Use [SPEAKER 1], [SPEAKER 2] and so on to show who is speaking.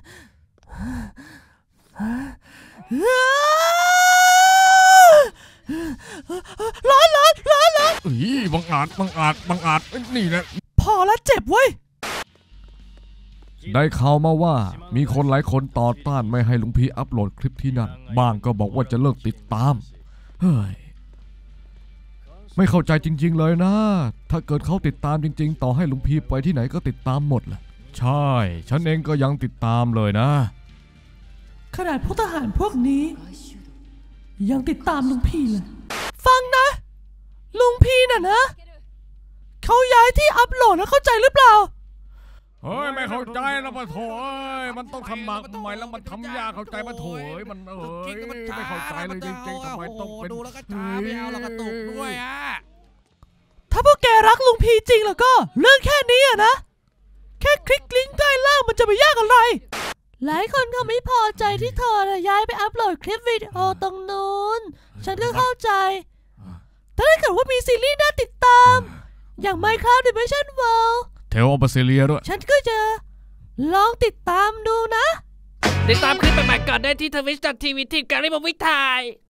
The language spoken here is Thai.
[SPEAKER 1] ร้อน
[SPEAKER 2] บังอาจนี่แหละ
[SPEAKER 1] พอแล้วเจ็บเว้ย
[SPEAKER 2] ได้ข่าวมาว่ามีคนหลายคนต่อต้านไม่ให้ลุงพีอัปโหลดคลิปที่นั่นบ้างก็บอกว่าจะเลิกติดตามเฮ้ยไม่เข้าใจจริงๆเลยนะถ้าเกิดเขาติดตามจริงๆต่อให้ลุงพีไปที่ไหนก็ติดตามหมดแหละใช่ฉันเองก็ยังติดตามเลยนะ
[SPEAKER 1] ขนาดพวกทหารพวกนี้ยังติดตามลุงพี่เลยฟังนะลุงพี่น่ะนะเขาย้ายที่อัปโหลดแล้วเข้าใจหรือเปล่า
[SPEAKER 2] เฮ้ยไม่เข้าใจแล้วมาโถมันต้องทำมากทำไมแล้วมันทำยากเข้าใจมาโถมันไม่เข้าใจเลยจริงๆทำไมต้องเป็น
[SPEAKER 3] ดูแล้วก็ช้าไม่เอาแล้วก็ตุกด้วยอ่ะ
[SPEAKER 1] ถ้าพวกแกรักลุงพีจริงแล้วก็เรื่องแค่นี้อะนะแค่คลิกลิงก์ใต้ล่างมันจะไม่ยากอะไรหลายคนเขาไม่พอใจที่เธอย้ายไปอัปโหลดคลิปวิดีโอตรงนู้นฉันก็เข้าใจแต่ถ้าเกิดว่ามีซีรีส์น่าติดตามอย่าง Minecraft Dimension World
[SPEAKER 2] เทลออฟเซเลียด้วย
[SPEAKER 1] ฉันก็จะลองติดตามดูนะ
[SPEAKER 3] ติดตามคลิปใหม่ๆก่อนได้ที่ twitch.tv/teamgarrymovie